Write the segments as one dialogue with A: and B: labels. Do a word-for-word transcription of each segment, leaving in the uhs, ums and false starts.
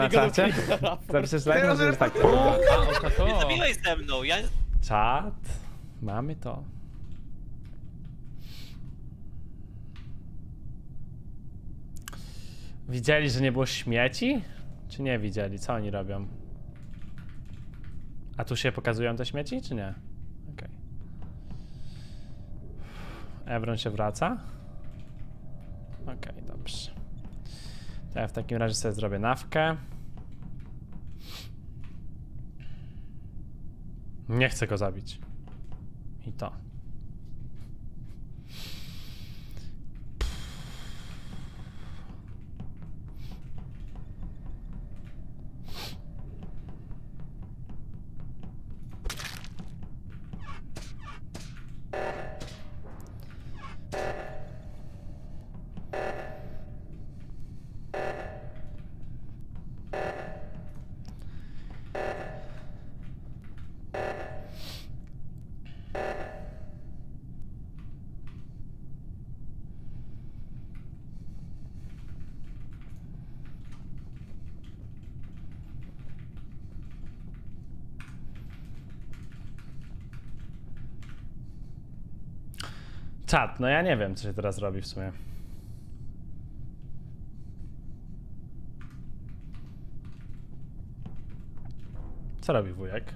A: Na czacie? Zapiszesz like, może jest tak. O,
B: A, o to.
C: Zabiłeś ze mną, ja...
A: czat. Mamy to. Widzieli, że nie było śmieci? Czy nie widzieli? Co oni robią? A tu się pokazują te śmieci, czy nie? Okej. Okay. Evron się wraca? Okej, okay, dobrze. To ja w takim razie sobie zrobię nawkę. Nie chcę go zabić. I to. Czat, no ja nie wiem, co się teraz robi w sumie. Co robi wujek?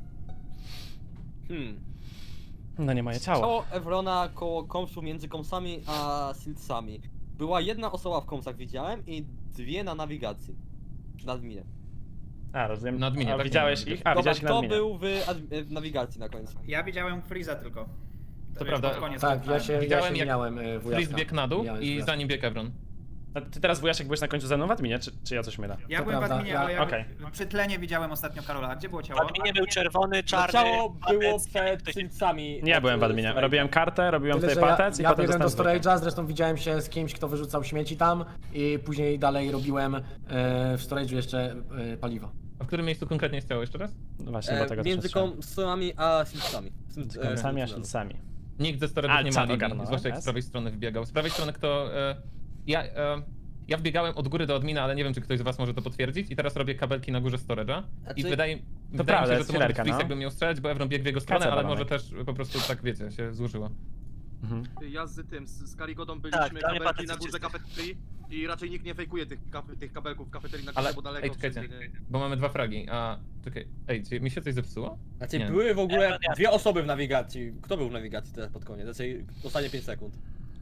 D: Hmm.
A: No nie moje ciało.
D: Ciało Evrona koło komsu między komsami a silcami. Była jedna osoba w komsach, widziałem, i dwie na nawigacji. Na adminie.
A: A, rozumiem.
B: Na adminie,
A: A
B: tak?
A: widziałeś ich? A,
D: Dobra,
A: widziałeś ich na
D: kto
A: adminie.
D: był w, admi- w nawigacji na końcu?
E: Ja widziałem Freeza tylko.
B: To
E: już
B: prawda.
E: pod koniec
F: Tak, ja się, ja
B: Widziałem,
F: się
B: jak
F: miałem y, wujaszka.
B: Freeze biegł na dół
F: Mijałem
B: i
F: wujaszka.
B: za nim biegł Evron.
A: A ty teraz wujaszek byłeś na końcu ze mną w adminie, czy, czy ja coś mylę?
E: Ja
F: To
E: byłem
F: prawda,
E: w adminie,
F: ja-
E: ale ja
A: okej.
E: przy tlenie widziałem ostatnio Karola. A gdzie było
C: W
E: ciało?
C: adminie był czerwony,
D: No,
C: czarny...
D: ciało było
C: patec,
D: przed
C: ktoś-
D: silcami.
A: Nie, ja
D: od,
A: byłem w
D: e,
A: adminie.
D: storage'a.
A: Robiłem kartę, robiłem
F: Tyle,
A: tutaj
F: że
A: patec
F: ja,
A: i
F: ja
A: potem
F: biegłem do
A: dostałem zwykłe.
F: storage'a, zresztą widziałem się z kimś, kto wyrzucał śmieci tam i później dalej robiłem e, w storage'u jeszcze e, paliwo.
B: A w którym miejscu konkretnie jest ciało jeszcze raz?
A: No właśnie,
D: E,
A: dlatego
D: między
A: też
D: komsami a silcami.
A: Między komsami a szylcami.
B: Nikt ze
A: A,
B: storage'ów nie
A: co,
B: ma linii,
A: ogarnąłem,
B: zwłaszcza jak z
A: jest?
B: prawej strony wbiegał. Z prawej strony kto... E, ja, e, ja wbiegałem od góry do admina, ale nie wiem, czy ktoś z was może to potwierdzić. I teraz robię kabelki na górze storage'a. I
D: Znaczy-
B: wydaje, wydaje
A: prawda,
B: mi się, że
A: jest
B: to może być
A: chwileczka,
B: Freeze,
A: no.
B: jakby miał strzelać, bo Evron biegł w jego stronę,
A: Kaca
B: ale
A: balonek.
B: może też po prostu tak, wiecie, się złożyło.
A: Mhm.
G: Ja z tym, z, z Karigodą
C: Tak,
G: byliśmy
C: dla mnie
G: kabelki
C: patec
G: na
C: jest
G: górze
C: czysty.
G: kafeterii i raczej nikt nie fejkuje tych, kap, tych kabelków w kafeterii na górze,
B: Ale,
G: bo daleko...
B: ej, czekajcie,
G: wszędzie-
B: bo mamy dwa fragi, a... Czekaj, ej, czy mi się coś zepsuło?
D: Znaczy
B: Nie.
D: były w ogóle
C: Ja- ja-
D: dwie osoby w nawigacji. Kto był w nawigacji teraz pod koniec? Znaczy ostatnie pięć sekund.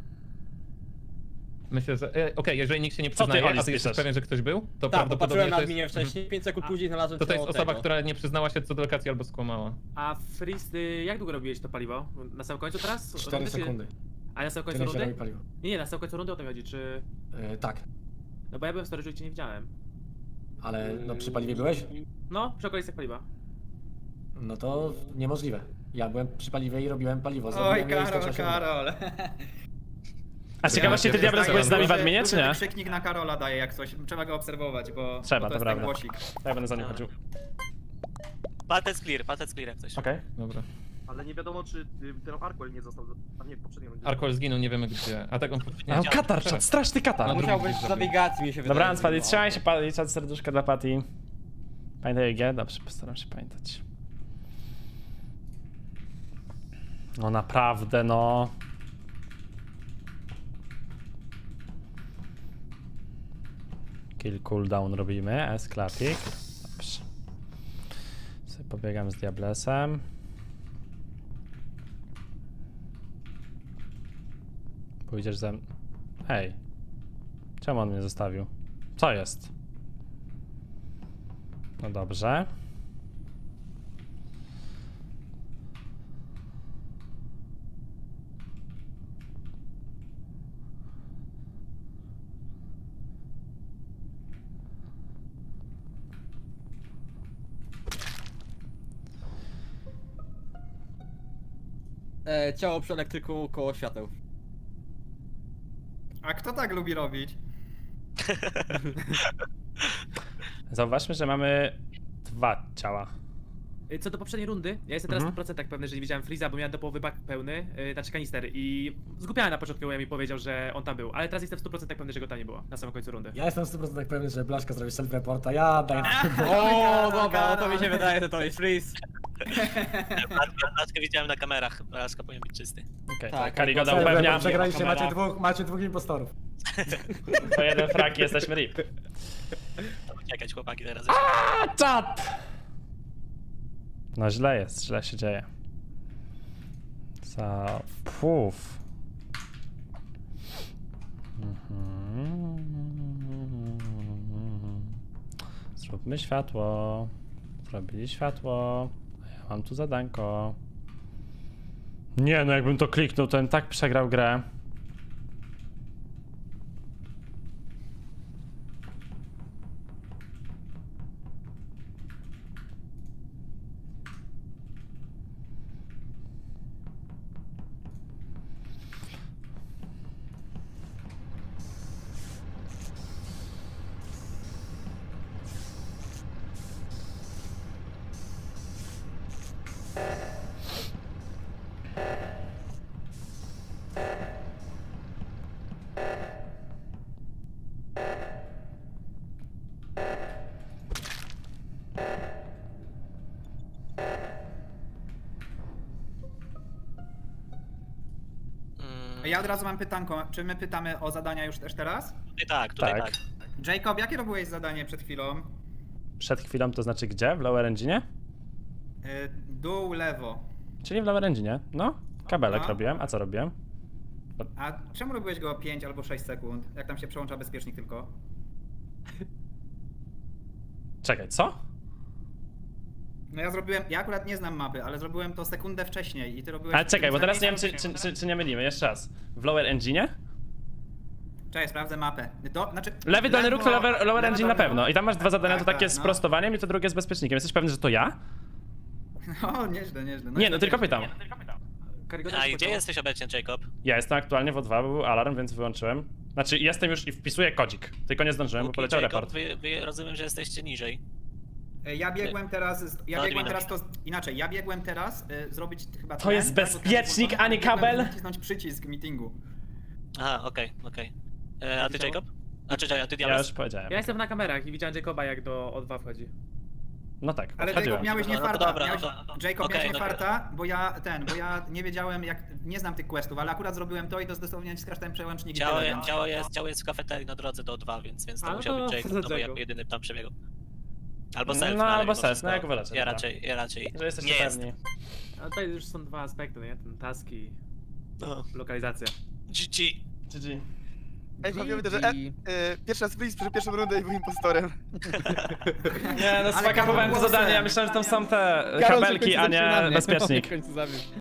B: Myślę, że... E, Okej, jeżeli nikt się nie
A: ty,
B: przyznaje,
A: Oli,
B: a ty jesteś
A: spiszesz?
B: pewien, że ktoś był, to
D: Tak, bo
B: prawdopodobnie
D: patrzyłem na
B: to jest...
D: adminie wcześniej, pięć sekund później znalazłem
B: To to jest
D: ciało
B: osoba,
D: tego.
B: która nie przyznała się co do lokacji albo skłamała.
H: A Freeze, ty jak długo robiłeś to paliwo? Na samym końcu teraz?
F: cztery
H: Rundy, czy-
F: sekundy.
H: A na samym końcu
F: Tyle się robi
H: rundy?
F: paliwo.
H: Nie, nie, na samym końcu rundy o to chodzi, czy...
F: E, tak,
H: No bo ja byłem w storage'u i cię nie widziałem.
F: ale no przy paliwie byłeś?
H: No, przy okolicach paliwa.
F: No to niemożliwe. Ja byłem przy paliwie i robiłem paliwo.
E: Oj,
F: Zrobiłem je i
E: Karol,
F: skończyła się runda.
E: Karol.
A: A ciekawości, ty
B: Ja-
A: Diables
B: ja-
A: byłeś z nami w
E: Duży-
A: adminie, czy
E: duży
A: nie?
E: wykrzyknik na Karola daje jak coś. Trzeba go obserwować, bo,
A: Trzeba,
E: bo
A: to
E: to jest
A: prawda.
E: ten głosik.
A: Ja będę za nim chodził.
C: Patec clear, patec clear jak coś.
A: Okej.
B: Dobra.
G: Ale nie wiadomo, czy y, ten Arkwell nie został, a nie, w poprzedniej rundzie.
B: Arkol zginął, nie wiemy gdzie. A tak on... Nie,
A: A katar, czat, straszny katar.
B: No,
D: Musiał
B: drugi
D: być w
B: zrobił.
D: nawigacji, mi się wydaje.
A: Dobranoc, Patty,
D: No.
A: trzymaj się, Patty, czat serduszka dla Patty. Pamiętaj G? Dobrze, postaram się pamiętać. No naprawdę, no. Kill cooldown robimy, S-klapik. Dobrze. Sobie pobiegam z Diablesem. Pójdziesz ze mną. Hej. Czemu on mnie zostawił? Co jest? No dobrze.
D: E, ciało przy elektryku koło świateł.
E: A kto tak lubi robić?
A: Zauważmy, że mamy dwa ciała.
H: Y, Co do poprzedniej rundy, ja jestem teraz
A: Mhm.
H: w procentach pewny, że nie widziałem Freeza, bo miałem do połowy bak pełny, yy, znaczy kanister i zgubiałem na początku, jak mi powiedział, że on tam był, ale teraz jestem w stu procentach pewny, że go tam nie było, na samym końcu rundy.
F: Ja jestem w stu procentach pewny, że Blaszka zrobi self-reporta, ja daję...
D: O, dobra, no to mi się wydaje, że to jest freeze.
C: Blaszkę widziałem na kamerach, Blaszka powinien być czysty.
A: Okej,
D: Tak,
A: tak, Karigoda
F: Self-report,
A: upewnia.
F: przegraliście, macie
A: Kamera.
F: dwóch, macie dwóch impostorów.
A: To jeden frak i jesteśmy rip.
C: Uciekać chłopaki teraz.
A: A, czat! No źle jest, źle się dzieje. Za... Puf. Mhm. Zróbmy światło. Zrobili światło. A ja mam tu zadanko. Nie, no jakbym to kliknął, to bym tak przegrał grę.
C: Mm,
E: Ja od razu mam pytanko, czy my pytamy o zadania już też teraz?
C: tutaj tak, tutaj
A: Tak.
C: tak.
E: Jacob, jakie robiłeś zadanie przed chwilą?
A: Przed chwilą to znaczy gdzie? W lower engine'ie?
E: Y, Dół, lewo.
A: Czyli w lower engine'ie. No, kabelek
E: Aha.
A: robiłem. A co robiłem?
E: A czemu robiłeś go pięć albo sześć sekund? Jak tam się przełącza bezpiecznik tylko?
A: Czekaj, co?
E: No ja zrobiłem, ja akurat nie znam mapy, ale zrobiłem to sekundę wcześniej i ty robiłeś...
A: Ale czekaj, bo teraz nie wiem, czy,
E: wcześniej.
A: czy, czy, czy nie mylimy. Jeszcze raz. W lower engine'ie?
E: Cześć, sprawdzę mapę. To, znaczy,
A: Lewy dolny róg to
E: lewo-
A: lower, lower
E: lewo,
A: engine na
E: dolny
A: pewno.
E: róg.
A: I tam masz dwa zadania,
E: Tak,
A: to takie
E: tak,
A: z
E: no.
A: prostowaniem i to drugie z bezpiecznikiem. Jesteś pewny, że to ja?
E: O, nieźle, nieźle.
A: Nie, no tylko pytam.
H: Karygoda
C: A
H: się
C: i gdzie
H: podziała.
C: jesteś obecnie, Jacob?
A: Ja jestem aktualnie w O dwa, bo był alarm, więc wyłączyłem. Znaczy, jestem już i wpisuję kodzik. Tylko nie zdążyłem, bo
C: Łuki,
A: poleciał
C: Jacob,
A: report.
C: wy, wy rozumiem, że jesteście niżej.
E: E, Ja biegłem teraz, z- ja
C: No,
E: biegłem
C: admina.
E: teraz to, inaczej, ja biegłem teraz y, zrobić chyba
A: To
E: tlen,
A: jest
E: tak, bo ten
A: bezpiecznik,
E: włączony,
A: a nie
E: biegłem
A: kabel?
E: nacisnąć przycisk meetingu.
C: Aha, okej, okej. E, A ty,
H: Widziało?
C: Jacob? A czy a ty,
A: Ja
C: Diabeł?
A: już powiedziałem.
H: Ja jestem na kamerach i widziałem Jacoba, jak do O dwa wchodzi.
A: No tak,
E: Ale
A: wchodziłem.
E: Jacob miałeś nie
C: No to
E: farta,
C: dobra,
E: miałeś,
C: no to-
E: Jacob
C: okej,
E: miałeś nie
C: dobra.
E: farta, bo ja ten, bo ja nie wiedziałem jak, nie znam tych questów, ale akurat zrobiłem to i to dosłownie naciskasz ten przełącznik i
C: Ciało,
E: tyle,
C: je-
E: więc-
C: ciało, jest, ciało jest w kafeterii na drodze do O dwa, więc, więc to
H: A, no
C: musiał
H: to
C: być Jacob,
H: za
C: no bo ja
H: Jacob.
C: jedyny tam przebiegł. Albo
A: No,
C: self,
A: no,
C: ale
A: albo
C: mimo
A: self,
C: wszystko
A: no jak wolecie,
C: Ja
A: dobra.
C: raczej, ja raczej
A: Że jesteście
C: nie jest.
A: pewni.
H: A tutaj już są dwa aspekty, nie? Ten task i
C: No.
H: lokalizacja.
C: G G.
A: G G.
I: Ej, pamiętam, że e, e, pierwszy raz Freeze przeszedł pierwszą rundę i był impostorem.
A: Nie, no
E: Ale
A: spakapowałem to
E: Karol
A: zadanie, ja
E: głosem.
A: myślałem, że tam są te
I: Karol się w
A: kabelki,
I: końcu
A: a
I: zabił na
A: nie
I: mnie.
A: bezpiecznik.
I: W końcu zabił.